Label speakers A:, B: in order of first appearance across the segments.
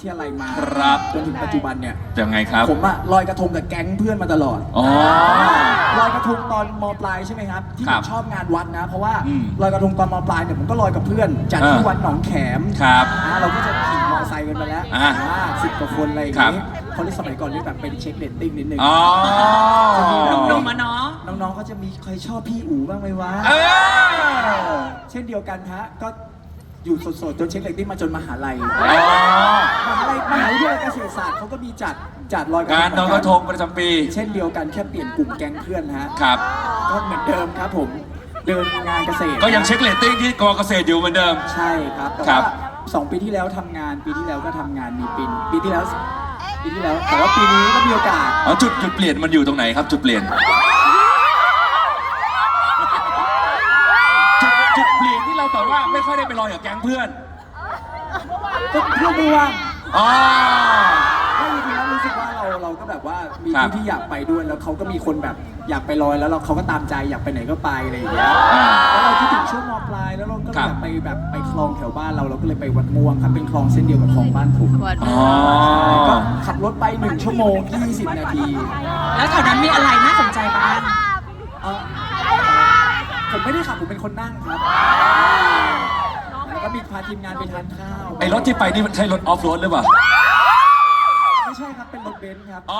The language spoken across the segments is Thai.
A: ทยาลัยมา
B: ครับ
A: จนถึงปัจจุบันเนี่ย
B: ยังไงครับ
A: ผมอะลอยกระทงกับแก๊งเพื่อนมาตลอด
B: อ๋อ
A: ลอยกระทงตอนมปลายใช่ไหมครับที่
B: ค
A: ผ
B: รับ
A: มชอบงานวัดนะ เพราะว่า
B: อืม
A: ลอยกระทงตอนมปลายเนี่ยผมก็ลอยกับเพื่อนจัดที่วัดหนองแขม
B: ครับ
A: เราก็จะขี่มอเตอร์ไซค์กันไปแล้ว 10 กว่าคนอะไรอย่าง
B: ครับ
A: นี้เขาเรียกสมัยก่อนเรียกแบบเป็นเช็คเรตติ้งนิดนึง
B: อ๋อ
C: หนุ่มๆมาเนาะ
A: น้องๆเขาจะมีใครชอบพี่อู๋บ้างไหมวะ
B: เออ
A: เช่นเดียวกันฮะก็อยู่สดๆจนเช็คเรตติ้งมาจนมหาลัย
B: อ๋อ
A: มหาวิทยาลัยเกษตรศาสตร์เขาก็มีจัดลอยกระทง
B: งานลอยกระทงประจำปี
A: เช่นเดียวกันแค่เปลี่ยนกลุ่มแก๊งเพื่อนฮะ
B: ครับ
A: ก็เหมือนเดิมครับผมเดินงานเกษตร
B: ก็ยังเช็คเรตติ้งที่กอเกษตรอยู่เหมือนเดิม
A: ใช่ครับแต่
B: ครั
A: ว่า
B: บ
A: 2 ปีที่แล้วทำงานปีที่แล้วก็ทำงานมีปีที่แล้วแต่ว่าปีนี้ก็มีโอกาส
B: อ๋อจุดเปลี่ยนมันอยู่ตรงไหนครับ จุดเปลี่ยน จุดเปลี่ยนที่เราแบบว่าไม่ค่อยได้ไปลอยกับแก๊งเพื่อน
A: ก็เพื่อนไม่ว่าง
B: อ๋อ
A: ไม่จริงๆแล้วรู้สึกว่าเราก็แบบว่ามี
B: ครับ
A: ที่อยากไปด้วยแล้วเขาก็มีคนแบบอยากไปลอยแล้วเขาก็ตามใจอยากไปไหนก็ไปอะไรอย่างเงี้ย
B: อ่า
A: แล้วเราคิดถึงช่วงมปลายแล้วเราก็เลย
B: ครับ
A: อยากไปแบบไปคลองแถวบ้านเราก็เลยไปวัดม่วงครับเป็นคลองเส้นเดียวกับคลองบ้านผม
B: อ๋อ
A: ก็ขับรถไป1 ชั่วโมง 20 นาที
C: แล้วแถวนั้นมีอะไรน่าสนใจบ้าง
A: เอ่อผมไม่ได้ขับผมเป็นคนนั่งครับแล้วก็มีพาทีมงานไปทานข้าว
B: ไอ้รถที่ไปนี่มันใช่รถออฟโรดหรือเปล่า
A: ไม่ใช่ครับเป็นรถเบนซ์ครับ
B: อ๋อ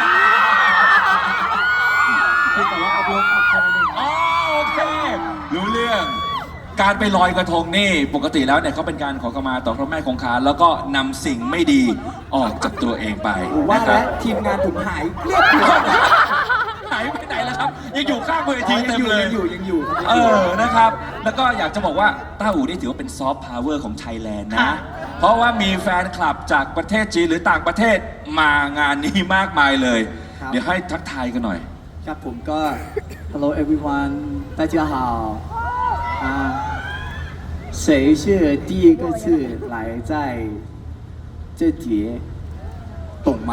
A: เพียงแต่ว่าเอารถขับแค่นั้นเอง
B: อ๋อโอเค รู้เรื่อง การไปลอยกระทงนี่ปกติแล้วเนี่ยเขาเป็นการขอขมาต่อพระแม่คงคาแล้วก็นำสิ่งไม่ดีออกจากตัวเองไป
A: ผมว่า
B: นะครั
A: แล้
B: บ
A: วทีมงานผมหายเรียบร้อย
B: หายไปไหนแล้วครับ ยังอยู่ข้างเวทีเต็มเลย
A: ยังอยู่ครับ
B: เออ นะครับ แล้วก็อยากจะบอกว่าต้าอู่นี่ถือว่าเป็นซอฟต์พาวเวอร์ของไทยแลนด์นะ
C: ค่ะ
B: เพราะว่ามีแฟนคลับจากประเทศจีนหรือต่างประเทศมางานนี้มากมายเลย เดี๋ยวให้ทักทายกันหน่อย
A: ครับผมก็ Hello everyone 大家好啊谁是第一个次来在这节懂吗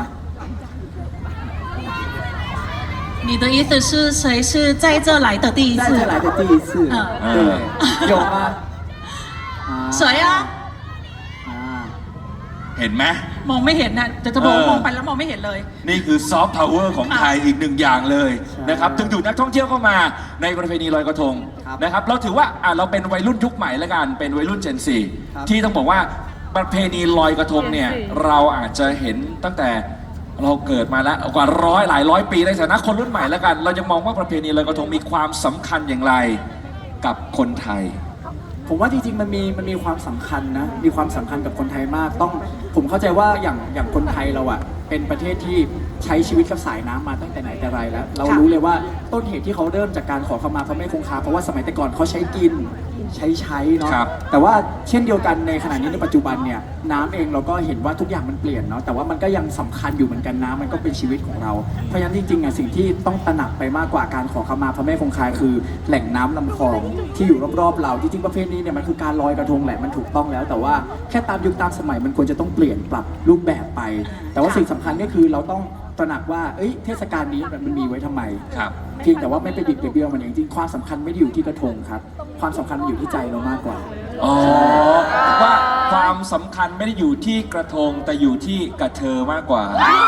C: 你的意思是谁是在这来的第一次
A: 在这来的第一次对有吗
C: 谁啊
A: 啊
B: เห็นไหม
C: มองไม่เห็นนะจะบอก
B: เออ
C: มองไปแล้วมองไม่เห็นเลย
B: นี่คือซอฟต์พาวเวอร์ของไทยอีกหนึ่งอย่างเลยนะครับถึงดูดนักท่องเที่ยวเข้ามาในประเพณีลอยกระทงนะครับ เราถือว่าเราเป็นวัยรุ่นยุคใหม่แล้วกัน เป็นวัยรุ่น Gen 4 ที่ต้องบอกว่าประเพณีลอยกระทงเนี่ยเราอาจจะเห็นตั้งแต่เราเกิดมาแล้วกว่าหลายร้อยปีในฐานะคนรุ่นใหม่แล้วกัน เรายังมองว่าประเพณีลอยกระทงมีความสำคัญอย่างไรกับคนไทย
A: ผมว่าจริงๆมันมีความสำคัญนะมีความสำคัญกับคนไทยมากผมเข้าใจว่าอย่างคนไทยเราอะเป็นประเทศที่ใช้ชีวิตกับสายน้ำมาตั้งแต่ไหนแต่ไรแล้ว เรารู้เลยว่าต้นเหตุที่เขาเริ่มจากการขอขมาพระแม่คงคาเพราะว่าสมัยแต่ก่อนเขาใช้กินใช้เนาะ
B: ครับ
A: แต่ว่าเช่นเดียวกันในขณะนี้ในปัจจุบันเนี่ยน้ำเองเราก็เห็นว่าทุกอย่างมันเปลี่ยนเนาะแต่ว่ามันก็ยังสำคัญอยู่เหมือนกันน้ำมันก็เป็นชีวิตของเราเพราะฉะนั้นจริงๆอะสิ่งที่ต้องตระหนักไปมากกว่าการขอขมาพระแม่คงคาคือแหล่งน้ำลำคลองที่อยู่รอบๆเราจริงๆประเพณีเนี่ยมันคือการลอยกระทงแหละมันถูกต้องแล้ว แต่ว่าแค่ตามยุคตามสมัยมันควรจะต้องเปลี่ยนปรับรูปแบบไป แต่ว่าสิ่งสำคัญก็คือเราต้องตระหนักว่าเทศกาลนี้มันมีไว้ทำไม
B: ครับ
A: เพียงแต่ว่าไม่ไปบิดไปเบี้ยวมันเองจริงความสำคัญไม่ได้อยู่ที่กระทงครับความสำคัญมันอยู่ที่ใจเรามากกว่า
B: อ๋อว่าความสำคัญไม่ได้อยู่ที่กระทงแต่อยู่ที่กระเทอมากกว่า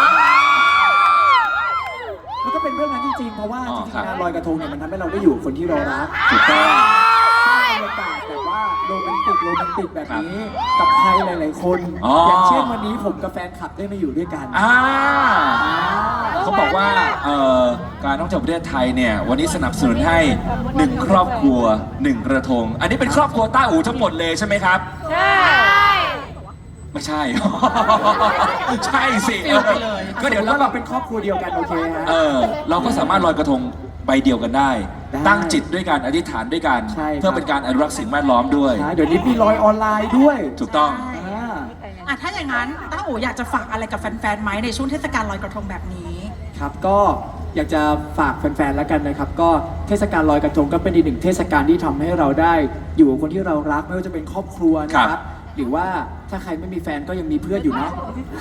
A: มันก็เป็นเรื่องนั้นจริงๆ เพราะว่า
B: อ๋
A: จ
B: อ
A: ริง
B: ครับ
A: ๆงานลอยกระทงเนี่ยมันทำให้เราได้อยู่กับคนที่เรารัก
B: ถูกต้อง
A: สร้างบรรยากาศแบบว่าโรแมนติกแบบนี้กับใครหลายๆคน
B: อ๋อ
A: อ
B: อ
A: ย่างเช่นวันนี้ผมกับแฟนคลับได้มาอยู่ด้วยกัน
B: เขาบอกว่าการท่องเที่ยวประเทศไทยเนี่ยวันนี้สนับสนุนให้1ครอบครัว1กระทง อันนี้เป็นครอบครัวต้าอู่ทั้งหมดเลยใช่ไหมครับ ใช่ไม่ใช่ ใช่สิ
C: ฟิลไปเลย
B: ก็เดี๋ยว
A: แล้
B: แล้ว ว
A: เรา
B: ก็
A: เป็นครอบครัวเดียวกันโอเคฮะ
B: เราก็สามารถลอยกระทงใบเดียวกันได้
A: ได้
B: ตั้งจิตด้วยกันอธิษฐานด้วยกัน
A: ใช่ครับ
B: เพื่อเป็นการอนุรักษ์สิ่งแวดล้อมด้วย
A: ใช่เดี๋ยวนี้มีลอยออนไลน์ด้วย
B: ถูกต้อง
A: อ่า
C: อ่ะถ้าอย่างนั้นต้าอู๋อยากจะฝากอะไรกับแฟนๆไหมในช่วงเทศกาลลอยกระทงแบบนี้
A: ครับก็อยากจะฝากแฟนๆแล้วกันนะครับ ก็เทศกาลลอยกระทงก็เป็นอีกหนึ่งเทศกาลที่ทำให้เราได้อยู่กับคนที่เรารักไม่ว่าจะเป็นครอบครัวนะค
B: ครั
A: รับ
B: บ
A: หรือว่าถ้าใครไม่มีแฟนก็ยังมีเพื่อนอยู่เนาะ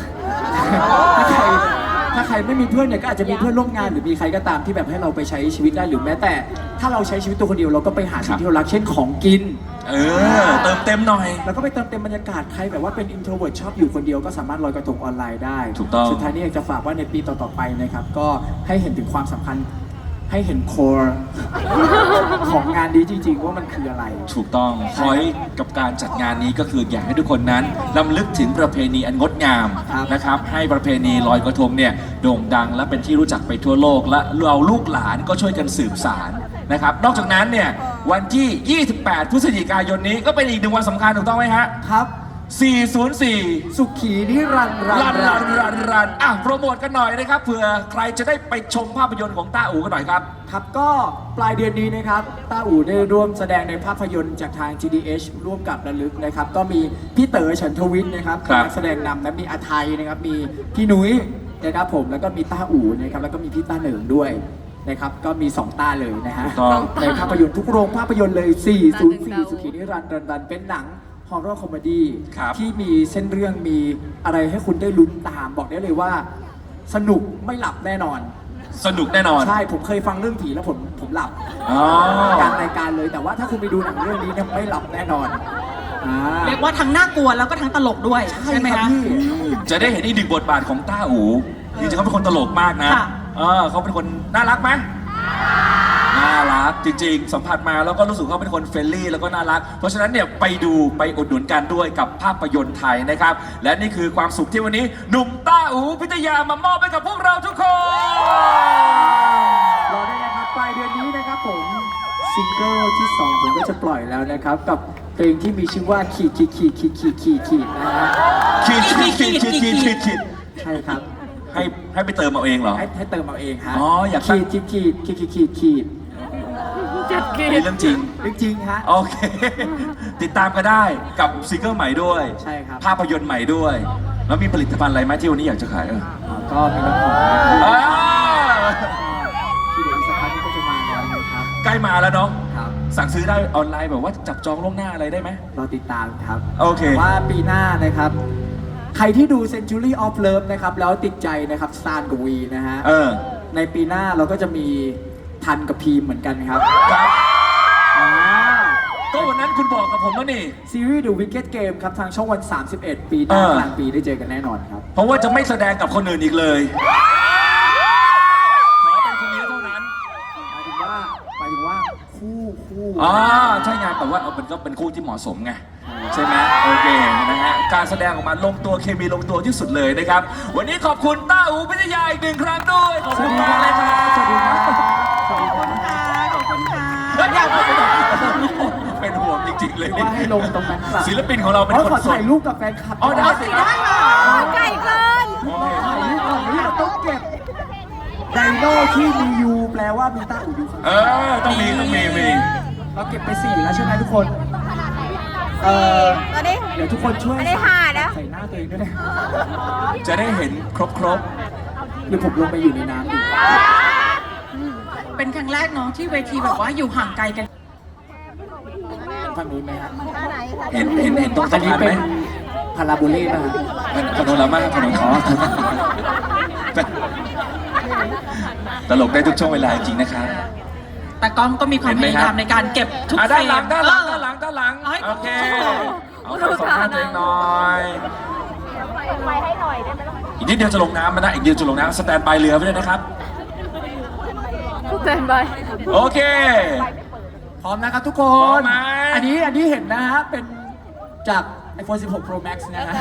A: ถ้าใครไม่มีเพื่อนเนี่ยก็อาจจะมีเพื่อนร่วมงานหรือมีใครก็ตามที่แบบให้เราไปใช้ชีวิตได้หรือแม้แต่ ถ้าเราใช้ชีวิตตัวคนเดียวเราก็ไปหาสิ่งที่เรารักเช่นของกิน
B: เติมเต็มหน่อย
A: แล้วก็ไปเติมเต็มบรรยากาศใครแบบว่าเป็น introvert ชอบอยู่คนเดียวก็สามารถลอยกระทงออนไลน์ได้
B: ถูกต้อง
A: สุดท้ายนี้อยากจะฝากว่าในปีต่อๆไปนะครับก็ให้เห็นถึงความสำคัญให้เห็น core ของงานนี้จริงๆว่ามันคืออะไร
B: ถูกต้องพอยกับการจัดงานนี้ก็คืออยากให้ทุกคนนั้นรำลึกถึงประเพณีอันงดงาม
A: ครับ
B: นะครับ ให้ประเพณีลอยกระทงเนี่ยโด่งดังและเป็นที่รู้จักไปทั่วโลก และเราลูกหลานก็ช่วยกันสืบสานนะครับ นอกจากนั้นเนี่ยวันที่ 28 พฤศจิกายนนี้ก็เป็นอีกหนึ่งวันสำคัญถูกต้องไหมฮะ
A: ครับ
B: 404
A: สุขีนิรันดร์
B: รันอ่ะโปรโมทกันหน่อยนะครับเผื่อใครจะได้ไปชมภาพยนตร์ของต้าอู่กันหน่อยครับ
A: ครับก็ปลายเดือนนี้นะครับต้าอู่ได้ร่วมแสดงในภาพยนตร์จากทาง GDH ร่วมกับระลึกนะครับก็มีพี่เต๋อฉันทวิทย์นะครับ
B: ครับ
A: นักแสดงนำและมีอาไทยนะครับมีพี่นุ้ยนะครับผมแล้วก็มีต้าอู่นะครับแล้วก็มีพี่ต้าเหนิงด้วยนะครับก็มี2ต้าเลยนะฮะ
B: ต้อง
A: ในภาพยนตร์ทุกโรงภาพยนตร์เลย 404 สุขีนิรันดร์เป็นหนังฮอร์เรอร์คอมเมดี้
B: ครับ
A: ที่มีเส้นเรื่องมีอะไรให้คุณได้ลุ้นตามบอกได้เลยว่า สนุกไม่หลับแน่นอน
B: สนุกแน่นอน
A: ใช่ ผมเคยฟังเรื่องผีแล้วผมหลับ
B: อ๋อก
A: ลางรายการเลย แต่ว่าถ้าคุณไปดูหนังเรื่องนี้เนี่ยไม่หลับแน่นอนอ่า
C: เรียกว่าทั้งน่ากลัวแล้วก็ทั้งตลกด้วย ใช่ไหม
A: ครั
C: คะ
A: บพี่
B: จะได้เห็นอีกหนึ่งบทบาทของต้าอู่จริงๆเขาเป็นคนตลกมากนะ
C: ค่ะ
B: เขาเป็นคนน่ารักไหมน่ารักจริงๆ สัมผัสมาแล้วก็รู้สึกเขาเป็นคนเฟรนลี่แล้วก็น่ารัก เพราะฉะนั้นเนี่ยไปดูไปอุดหนุนกันด้วยกับภาพยนตร์ไทยนะครับ และนี่คือความสุขที่วันนี้ หนุ่มต้าอูพิทยามามอบให้กับพวกเราทุกคน
A: รอได้นะครับปลายเดือนนี้นะครับผมซิงเกิลที่ 2 ผมก็จะปล่อยแล้วนะครับ กับเพลงที่มีชื่อว่าขีดนะฮะ
B: คิด
A: ใช่ครับ
B: ให้ไปเติมเอาเองเหรอ
A: ให้เติมเอาเองฮะ
B: อ๋ออยากตั้ง
A: ขีด
B: นี่เรื่องจริง
A: เรื่องจริงฮะ
B: โอเค ติดตามก็ได้กับซิงเกิลใหม่ด้วย
A: ใช่ครับ
B: ภาพยนตร์ใหม่ด้วย แล้วมีผลิตภัณฑ์อะไรไหมที่วันนี้อยากจะขาย
A: ก็มีน้ำหอมนะครับ
B: อ่า
A: ที่เดี๋ยวอีกสักพักนี้ก็จะมาแล้วนะครับ
B: ใกล้มาแล้วเนาะ
A: ครับ
B: สั่งซื้อได้ออนไลน์แบบว่าจับจองล่วงหน้าอะไรได้ไหม
A: รอติดตามครับ
B: โอเค
A: ว่าปีหน้านะครับ ใครที่ดู Century of Love นะครับ แล้วติดใจนะครับซานกับวีนะฮะ ในปีหน้าเราก็จะมีทันกับพีมเหมือนกันครับ
B: ครับ
A: อ่า
B: ก็วันนั้นคุณบอกกับผมแล้วนี่
A: ซีรีส์ The Wicked Game ครับ ทางช่องวัน 31 ปีหน้า
B: เออ
A: กลางปีได้เจอกันแน่นอนครับ
B: เพราะว่าจะไม่แสดงกับคนอื่นอีกเลย ขอเป็นคนนี้เท่านั้น
A: หมายถึงว่าคู่
B: อ๋อใช่ไงแต่ว่ามันก็เป็นคู่ที่เหมาะสมไงใช่ไหมโอเคนะฮะการแสดงออกมาลงตัวเคมีลงตัวที่สุดเลยนะครับ วันนี้ขอบคุณต้าอูพิทยาอีกหนึ่งครั้งด้วยขอบ
A: ส
B: คุ
A: วั
B: ณ
A: สดี
B: มาก
A: ค
B: เลย
A: รั
B: ครับ บ
A: สวัสดีครับ
C: ขอบคุณค่ะ
B: เป็นห่วงจริงๆเลย
A: ว่าให้ลงตรงนั้นครับ
B: ศิลปินของเราเป็น
A: อ๋อ
B: คน
A: ขอ
B: ส
A: ถ่า
B: ด
A: ยรูปกับแฟนคลับ
B: อ๋อได้สิครับ
D: ไก่เกิน
A: ถ่ายรูปก่อนนี้เราต้องเก็บไดโน่ที่มียูแปลว่ามีต้าอู่อยู่ข้างห
B: เอ
A: น้า
B: ต้องมี
A: เราเก็บไป4แล้วใช่ไหมทุกคน
D: ตัวนี้
A: เดี๋ยวทุกคนช่วย
D: ไม่ได้หาแล้ว
A: ใส่หน้าตัวเองด้วยนะ
B: จะได้เห็นครบ
A: หรือผมลงไปอยู่ในน้ำดู
C: เป็นครั้งแรกเนาะที่เวทีแบบว่าอยู่ห่างไกลกัน
A: ฝั่งนู้นไหมครับ
B: เห็นตรง
A: อั
B: สะ
A: นนี้
B: พานไห
A: เป็
B: ม
A: นพาราโบเล่ป่ะครับ
B: ขนมละมากขนมตลกได้ทุกช่วงเวลาจริงๆนะครับ
C: แต่กล้องก็มีความ
B: เห็น
C: พ
B: ไหม
C: ยา
B: ครับ
C: ยามในการเก็บทุก
B: อ่ะ
C: เฟร
B: ด้านหลัง
C: ม
B: ด้านหลัง
C: เอ้ย
B: โอเคเอาใส่สองข้างตัวเองหน่อย
D: ไปให้หน่อยได้ไหมล่ะ
B: อีกนิดเดียวจะลงน้ำมันนะอีกเดียวจะลงน้ำสแตนบายเรือไว้ด้วยนะครับ
D: เต้นไป
B: โอเค
A: พร้อมนะครับทุกค
B: พร้อม
A: น
B: ไหม
A: อันนี้เห็นนะฮะ เป็นจาก iPhone 16 Pro Max นะฮะ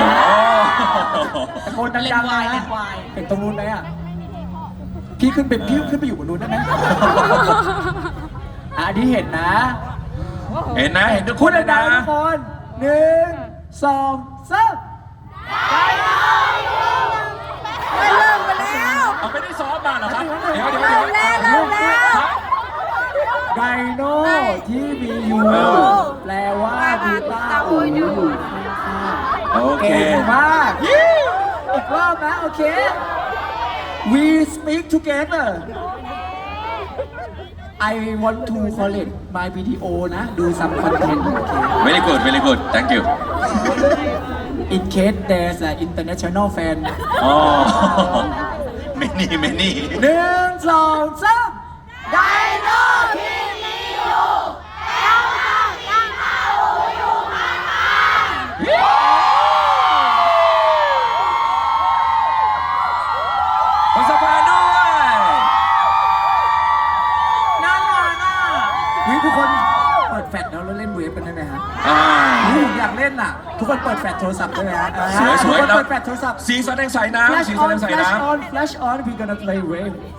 A: ตะโกน
C: เลน
A: ดัง
C: ส์
A: ๆ
C: วาย
A: นะ
C: เลนส์วาย
A: เห็นตรงนู้นไหมอ่ะ พี่ขึ้นไปอยู่บนนู้นได้ไหมอ่ะอันนี้เห็นนะ
B: เห็นนะเห็นทุกค
A: พูด
B: นเลย
A: ดั
B: นะ
A: งๆทุกคน1 2 3
D: เริ่มไปแล้ว
B: เอาไม่ได้ซ้อมมาเหรอครับเดี๋ยว
D: เริ่มแล้ว
A: ไดโน่ที่มียูแปลว่ามีต้าอู่อยู่ข้างๆ
B: โอเค
A: เก่งมากอีกรอบนะโอเค we speak together I want to collect my video นะ do some content โอเค
B: very good thank you
A: in case there's an international fan
B: อ๋อไม่นี่
A: 1 2 3
D: ไดโนที่มีอยู่แล้วทำยังไง
A: ทุกคนเปิดแฟลชแล้วเล่นเวฟกันได้ไหมฮะ ผมอยากเล่นอ่ะ ทุกคนเปิดแฟลชโทรศัพท์ได้ไหมฮะ
B: สวยๆ
A: ทุกคน
B: แล้ว
A: เปิดแฟลชโทรศัพท์
B: สีแสดงใสน้ำ
A: Flash
B: สีแสด
A: on
B: งใส
A: Flash
B: น้ำ
A: on Flash on we gonna play wave